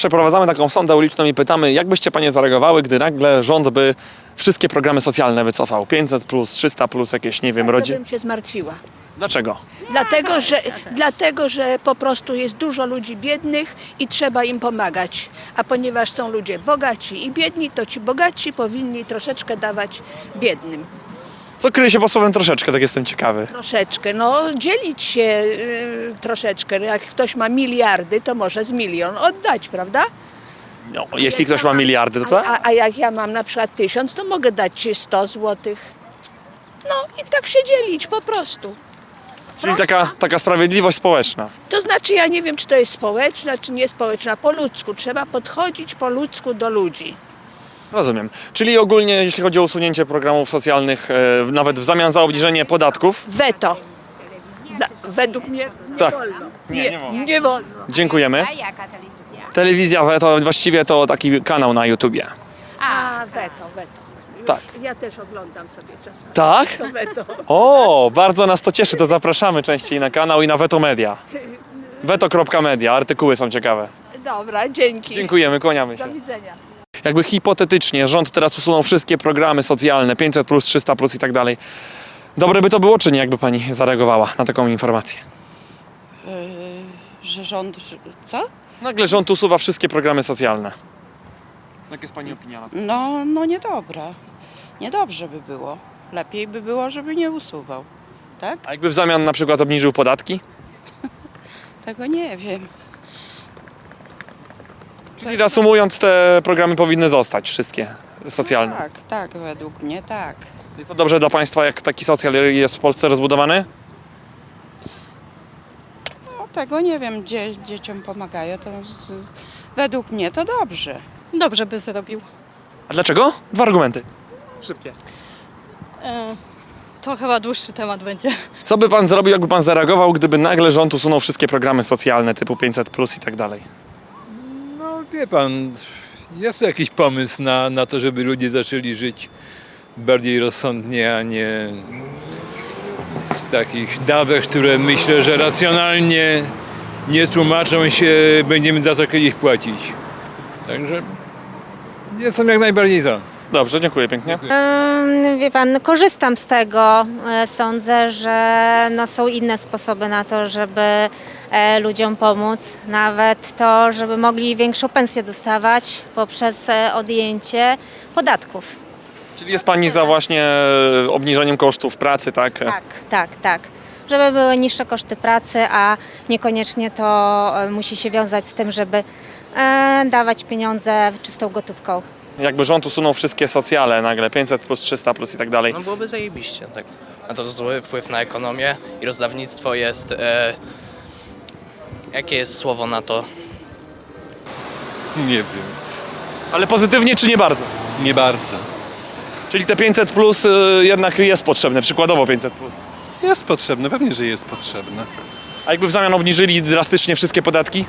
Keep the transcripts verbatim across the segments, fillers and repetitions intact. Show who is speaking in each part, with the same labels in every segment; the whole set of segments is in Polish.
Speaker 1: przeprowadzamy taką sondę uliczną i pytamy, jak byście panie zareagowały, gdy nagle rząd by wszystkie programy socjalne wycofał? pięćset plus, trzysta plus, jakieś, nie wiem,
Speaker 2: To
Speaker 1: rodzin.
Speaker 2: bym się zmartwiła.
Speaker 1: Dlaczego?
Speaker 2: Dlatego że, dlatego, że po prostu jest dużo ludzi biednych i trzeba im pomagać. A ponieważ są ludzie bogaci i biedni, to ci bogaci powinni troszeczkę dawać biednym.
Speaker 1: Co kryje się pod słowem troszeczkę, tak jestem ciekawy.
Speaker 2: Troszeczkę, no dzielić się y, troszeczkę. Jak ktoś ma miliardy, to może z milion oddać, prawda?
Speaker 1: No, jeśli ktoś ma miliardy, to co?
Speaker 2: A, a jak ja mam na przykład tysiąc, to mogę dać ci sto złotych. No i tak się dzielić po prostu.
Speaker 1: Czyli taka, taka sprawiedliwość społeczna.
Speaker 2: To znaczy, ja nie wiem, czy to jest społeczna, czy nie społeczna, po ludzku. Trzeba podchodzić po ludzku do ludzi.
Speaker 1: Rozumiem. Czyli ogólnie, jeśli chodzi o usunięcie programów socjalnych, e, nawet w zamian za obniżenie podatków.
Speaker 2: Weto. Dla, według mnie nie
Speaker 1: Tak.
Speaker 2: wolno.
Speaker 1: Nie, nie wolno.
Speaker 2: Nie wolno.
Speaker 1: Dziękujemy.
Speaker 3: A jaka telewizja?
Speaker 1: Telewizja to właściwie to taki kanał na YouTubie.
Speaker 2: A, weto, weto.
Speaker 1: Tak.
Speaker 2: Ja też oglądam sobie czasami.
Speaker 1: Tak?
Speaker 2: To weto.
Speaker 1: O, bardzo nas to cieszy, to zapraszamy częściej na kanał i na Veto Media. veto kropka media, artykuły są ciekawe.
Speaker 2: Dobra, dzięki.
Speaker 1: Dziękujemy, kłaniamy się.
Speaker 2: Do widzenia.
Speaker 1: Jakby hipotetycznie rząd teraz usunął wszystkie programy socjalne, pięćset plus, trzysta plus i tak dalej. Dobre by to było, czy nie, jakby pani zareagowała na taką informację?
Speaker 4: Yy, że rząd... że- Co?
Speaker 1: Nagle rząd usuwa wszystkie programy socjalne. Jaka jest pani opinia na to?
Speaker 4: No, no niedobra. Niedobrze by było. Lepiej by było, żeby nie usuwał. Tak?
Speaker 1: A jakby w zamian na przykład obniżył podatki?
Speaker 4: Tego nie wiem.
Speaker 1: Czyli reasumując, te programy powinny zostać, wszystkie socjalne.
Speaker 4: Tak, tak, według mnie tak.
Speaker 1: Jest to dobrze dla państwa, jak taki socjal jest w Polsce rozbudowany?
Speaker 4: No, tego nie wiem, dzie, dzieciom pomagają. To z, według mnie to dobrze.
Speaker 5: Dobrze by zrobił.
Speaker 1: A dlaczego? Dwa argumenty. Szybkie.
Speaker 5: E, to chyba dłuższy temat będzie.
Speaker 1: Co by pan zrobił, jakby pan zareagował, gdyby nagle rząd usunął wszystkie programy socjalne typu pięćset plus i tak dalej?
Speaker 6: No wie pan, jest to jakiś pomysł na, na to, żeby ludzie zaczęli żyć bardziej rozsądnie, a nie z takich dawek, które myślę, że racjonalnie nie tłumaczą się, będziemy za to kiedyś płacić. Także jestem jak najbardziej za.
Speaker 1: Dobrze, dziękuję pięknie.
Speaker 7: Ym, Wie pan, no korzystam z tego. E, Sądzę, że no są inne sposoby na to, żeby e, ludziom pomóc. Nawet to, żeby mogli większą pensję dostawać poprzez e, odjęcie podatków.
Speaker 1: Czyli jest pani za właśnie obniżeniem kosztów pracy, tak?
Speaker 7: Tak, tak, tak. Żeby były niższe koszty pracy, a niekoniecznie to e, musi się wiązać z tym, żeby e, dawać pieniądze czystą gotówką.
Speaker 1: Jakby rząd usunął wszystkie socjale nagle, pięćset plus, trzysta plus i tak dalej.
Speaker 8: No byłoby zajebiście, tak. A to zły wpływ na ekonomię i rozdawnictwo jest... E, jakie jest słowo na to?
Speaker 9: Nie wiem,
Speaker 1: Ale pozytywnie czy nie bardzo?
Speaker 9: nie bardzo.
Speaker 1: Czyli te pięćset plus y, jednak jest potrzebne, przykładowo pięćset plus.
Speaker 9: Jest potrzebne, pewnie, że jest potrzebne.
Speaker 1: A jakby w zamian obniżyli drastycznie wszystkie podatki?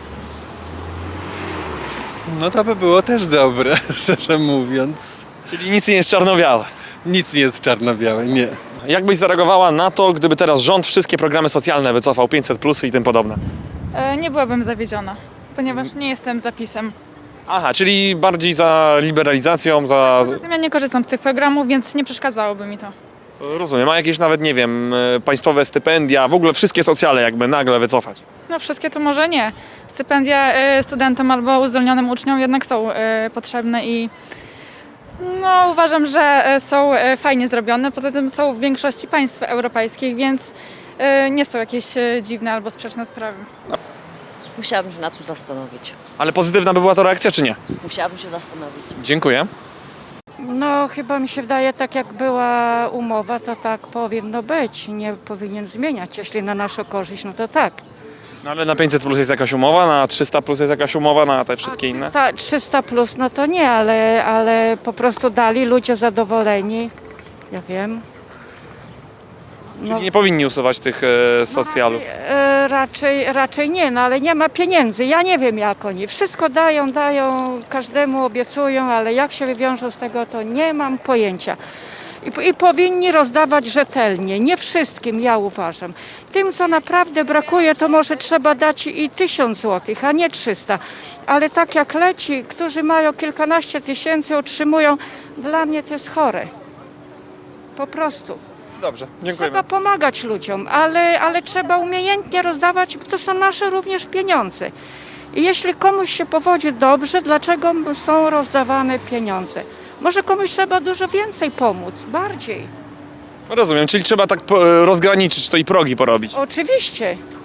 Speaker 9: No to by było też dobre, szczerze mówiąc.
Speaker 1: Czyli nic nie jest czarno-białe.
Speaker 9: Nic nie jest czarno-białe, nie.
Speaker 1: Jak byś zareagowała na to, gdyby teraz rząd wszystkie programy socjalne wycofał, pięćset plus i tym podobne?
Speaker 5: E, nie byłabym zawiedziona, ponieważ nie jestem zapisem.
Speaker 1: Aha, czyli bardziej za liberalizacją, za...
Speaker 5: Zatem ja nie korzystam z tych programów, więc nie przeszkadzałoby mi to.
Speaker 1: Rozumiem, a jakieś nawet, nie wiem, y, państwowe stypendia, w ogóle wszystkie socjale jakby nagle wycofać?
Speaker 5: No wszystkie to może nie. Stypendia e, studentom albo uzdolnionym uczniom jednak są e, potrzebne i no, uważam, że e, są e, fajnie zrobione. Poza tym są w większości państw europejskich, więc e, nie są jakieś e, dziwne albo sprzeczne sprawy.
Speaker 10: Musiałabym się nad tym zastanowić.
Speaker 1: Ale pozytywna by była to reakcja, czy nie?
Speaker 10: Musiałabym się zastanowić.
Speaker 1: Dziękuję.
Speaker 11: No chyba mi się wydaje, tak jak była umowa, to tak powinno być. Nie powinien zmieniać. Jeśli na naszą korzyść, no to tak.
Speaker 1: No ale na pięćset plus jest jakaś umowa, na trzysta plus jest jakaś umowa, na te wszystkie inne?
Speaker 11: Ta trzysta plus, no to nie, ale, ale po prostu dali, ludzie zadowoleni. Ja wiem.
Speaker 1: Czyli nie powinni usuwać tych e, socjalów.
Speaker 11: E, raczej, raczej nie, no ale nie ma pieniędzy. Ja nie wiem jak oni. Wszystko dają, dają, każdemu obiecują, ale jak się wywiążą z tego, to nie mam pojęcia. I, i powinni rozdawać rzetelnie, nie wszystkim, ja uważam. Tym, co naprawdę brakuje, to może trzeba dać i tysiąc złotych, a nie trzysta. Ale tak jak leci, którzy mają kilkanaście tysięcy, otrzymują, dla mnie to jest chore. Po prostu.
Speaker 1: Dobrze, dziękujemy.
Speaker 11: Trzeba pomagać ludziom, ale, ale trzeba umiejętnie rozdawać, bo to są nasze również pieniądze. I jeśli komuś się powodzi dobrze, dlaczego są rozdawane pieniądze? Może komuś trzeba dużo więcej pomóc, bardziej.
Speaker 1: Rozumiem, czyli trzeba tak po- rozgraniczyć to i progi porobić.
Speaker 11: Oczywiście,